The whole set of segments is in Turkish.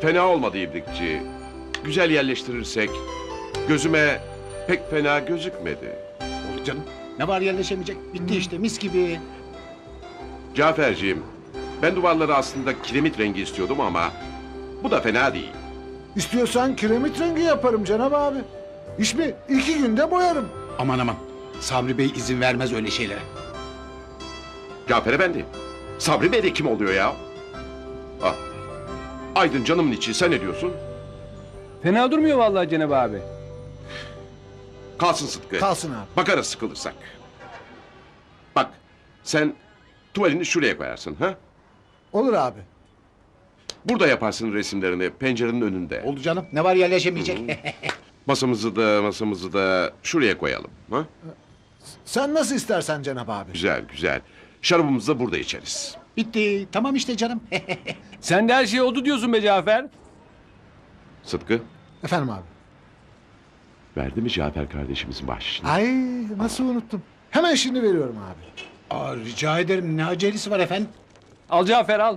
Fena olmadı İbrikçi. Güzel yerleştirirsek gözüme pek fena gözükmedi. Olur canım. Ne var yerleşemeyecek? Bitti işte mis gibi. Caferciğim, ben duvarları aslında kiremit rengi istiyordum ama bu da fena değil. İstiyorsan kiremit rengi yaparım Cenab abi. İş mi? 2 günde boyarım. Aman aman. Sabri Bey izin vermez öyle şeylere. Cafer Efendi, Sabri Bey de kim oluyor ya? Ah. Aydın canımın içi, sen ne diyorsun? Fena durmuyor vallahi Cenab abi. Kalsın Sıtkı. Kalsın abi. Bakarız sıkılırsak. Bak, sen tuvalini şuraya koyarsın, ha? Olur abi. Burada yaparsın resimlerini, pencerenin önünde. Oldu canım. Ne var yerleşemeyecek? Masamızı da şuraya koyalım, ha? Sen nasıl istersen Cenab abi. Güzel, güzel. Şarabımızı da burada içeriz. Bitti. Tamam işte canım. Sen de her şey oldu diyorsun be Cafer. Sıtkı, Efendim abi. verdi mi Cafer kardeşimizin bahşişini? Ay nasıl unuttum. Hemen şimdi veriyorum abi. Aa, rica ederim. Ne acelesi var efendim? Al Cafer al.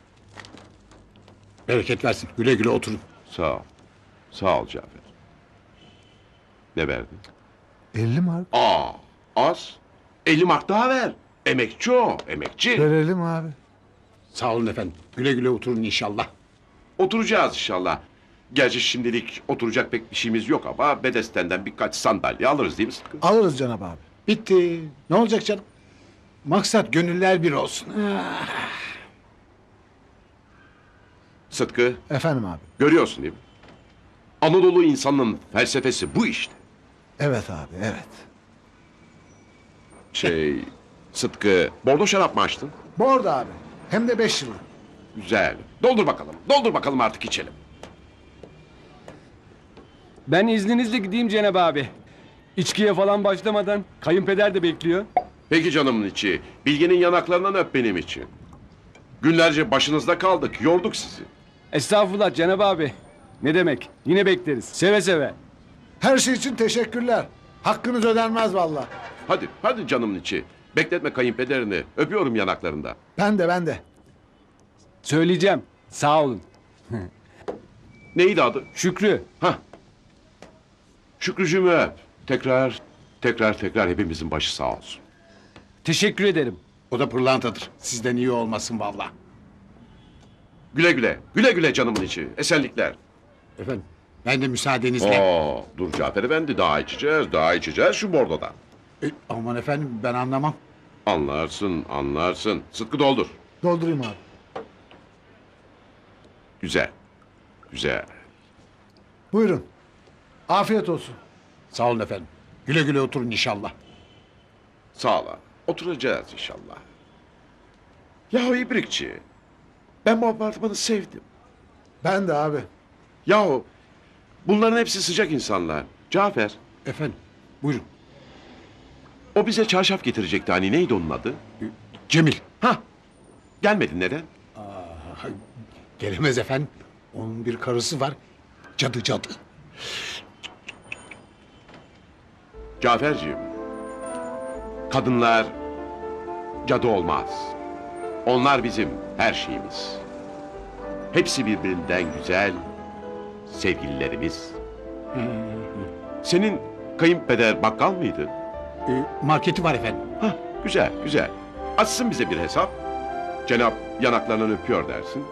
Bereket versin. Güle güle oturun. Sağ ol. Sağ ol Cafer. Ne verdin? 50 mark. Az. 50 mark daha ver. Emekçi o, emekçi. Verelim abi. Sağ olun efendim. Güle güle oturun inşallah. Oturacağız inşallah. Gerçi şimdilik oturacak pek bir şeyimiz yok ama Bedesten'den birkaç sandalye alırız değil mi Sıtkı? Alırız Cenab abi. Bitti. Ne olacak canım? Maksat gönüller bir olsun. Sıtkı, Efendim abi. görüyorsun değil mi? Anadolu insanının felsefesi bu işte. Evet abi evet. Sıtkı, bordo şarap mı açtın? Bordo abi. Hem de 5 yıllık. Güzel. Doldur bakalım. Doldur bakalım artık içelim. Ben izninizle gideyim Cenab abi. İçkiye falan başlamadan kayınpeder de bekliyor. Peki canımın içi. Bilge'nin yanaklarından öp benim için. Günlerce başınızda kaldık. Yorduk sizi. Estağfurullah Cenab abi. Ne demek? Yine bekleriz. Seve seve. Her şey için teşekkürler. Hakkınız ödenmez vallahi. Hadi, hadi canımın içi. Bekletme kayınpederini. Öpüyorum yanaklarında. Ben de. Söyleyeceğim. Sağ olun. Neydi adı? Şükrü. Hah. Şükrücüğümü öp. Tekrar hepimizin başı sağ olsun. Teşekkür ederim. O da pırlantadır. Sizden iyi olmasın vallahi. Güle güle. Güle güle canımın içi. Esenlikler. Efendim ben de müsaadenizle. Dur Cafer Efendi. Daha içeceğiz şu bordodan. Aman efendim ben anlamam. Anlarsın. Sıtkı doldur. Doldurayım abi. Güzel. Buyurun. Afiyet olsun. Sağ olun efendim. Güle güle oturun inşallah. Sağ ol abi. Oturacağız inşallah. Yahu İbrikçi. Ben bu apartmanı sevdim. Ben de abi. Yahu bunların hepsi sıcak insanlar. Cafer, Efendim buyurun. o bize çarşaf getirecekti hani neydi onun adı? Cemil. Hah, gelmedin neden? Gelemez efendim. Onun bir karısı var. Cadı. Caferciğim, kadınlar cadı olmaz. Onlar bizim her şeyimiz. Hepsi birbirinden güzel sevgililerimiz. Senin kayınpeder bakkal mıydı? Marketi var efendim. Hah, güzel. Açsın bize bir hesap. Cenap yanaklarından öpüyor dersin.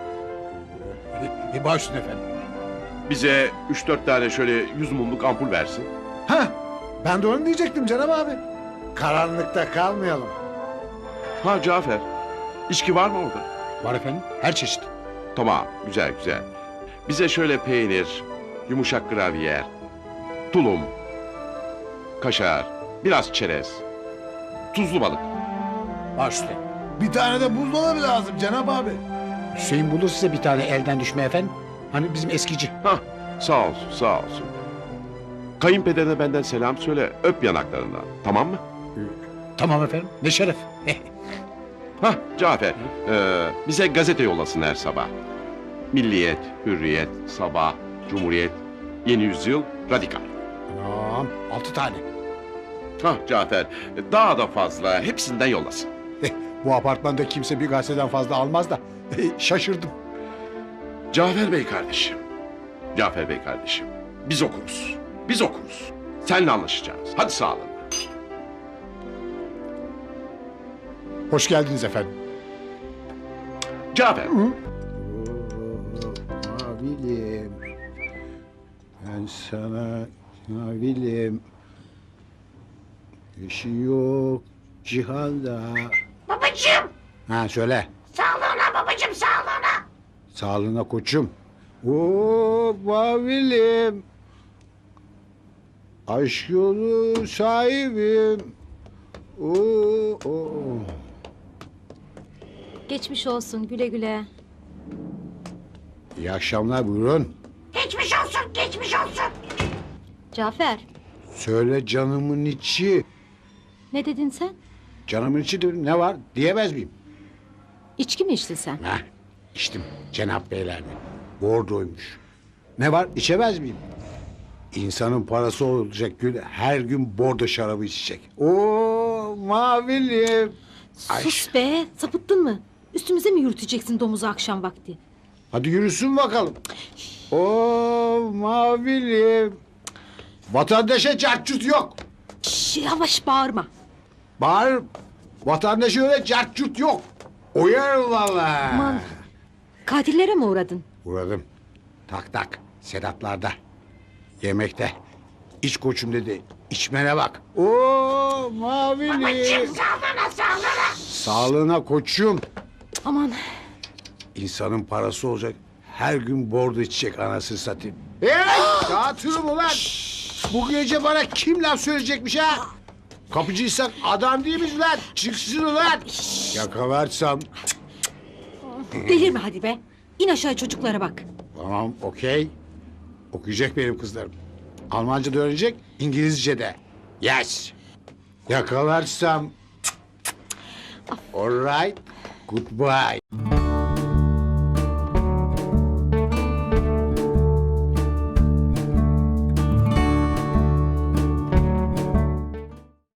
Baş üstüne efendim. Bize 3-4 tane şöyle 100 mumluk ampul versin. Heh, ben de onu diyecektim Cenab abi. Karanlıkta kalmayalım. Ha Cafer, içki var mı orada? Var efendim. Her çeşit. Tamam, güzel. Bize şöyle peynir, yumuşak gravyer, tulum, kaşar, biraz çerez, tuzlu balık. Baş üstüne. Bir tane de buzdolabı lazım Cenab abi. Hüseyin bulur size bir tane elden düşme efendim. Hani bizim eskici. Hah, sağ olsun. Kayınpederine benden selam söyle, öp yanaklarından, tamam mı? Tamam efendim. Ne şeref. Hah, Cafer, bize gazete yollasın her sabah. Milliyet, Hürriyet, Sabah, Cumhuriyet, Yeni Yüzyıl, Radikal. Tamam. 6 tane. Hah Cafer, daha da fazla, hepsinden yollasın. Bu apartmanda kimse bir gazeteden fazla almaz da şaşırdım. Cafer Bey kardeşim. Cafer Bey kardeşim. Biz okuruz. Biz okuruz. Seninle anlaşacağız. Hadi sağlığına. Hoş geldiniz efendim. Cafer. Mavilim. Ben sana mavilim. Eşi yok cihanda. Babacığım. Ha söyle. Sağlığına babacığım sağlığına. Sağlığına koçum. Oo mavilim. Aşk yolu sahibim. Oo. Geçmiş olsun güle güle. İyi akşamlar buyurun. Geçmiş olsun geçmiş olsun. Cafer Söyle canımın içi. ne dedin sen? Canımın içi de ne var diyemez miyim? İçki mi içtin sen? Heh, içtim Cenap Beyler'de. Bordoymuş. Ne var içemez miyim? İnsanın parası olacak gün her gün bordo şarabı içecek. Oo mavilim. Ay. Sus be sapıttın mı? Üstümüze mi yürüteceksin domuzu akşam vakti? Hadi yürüsün bakalım. Oo mavilim. Vatandaşa cartçut yok. Şş, yavaş bağırma. Bağır. Vatandaşa öyle cartçut yok. Uyarın valla. Aman katillere mi uğradın? Uğradım. Tak tak. Sedatlarda. Yemekte. İç koçum dedi. İçmene bak. Oo mavili. Babacığım sağlığına sağlığına. Sağlığına koçum. Aman İnsanın parası olacak. Her gün bordo içecek anasını satayım. Hey! Dağıtırım ulan. Bu gece bana kim laf söyleyecekmiş ha? Kapıcıysak adam değil miyiz lan? Çıksın ulan. Yakalarsam. delirme hadi be. İn aşağı çocuklara bak. Tamam okey. Okuyacak benim kızlarım. Almanca da öğrenecek, İngilizce de. Yes. Yakalarsam. All right. Goodbye.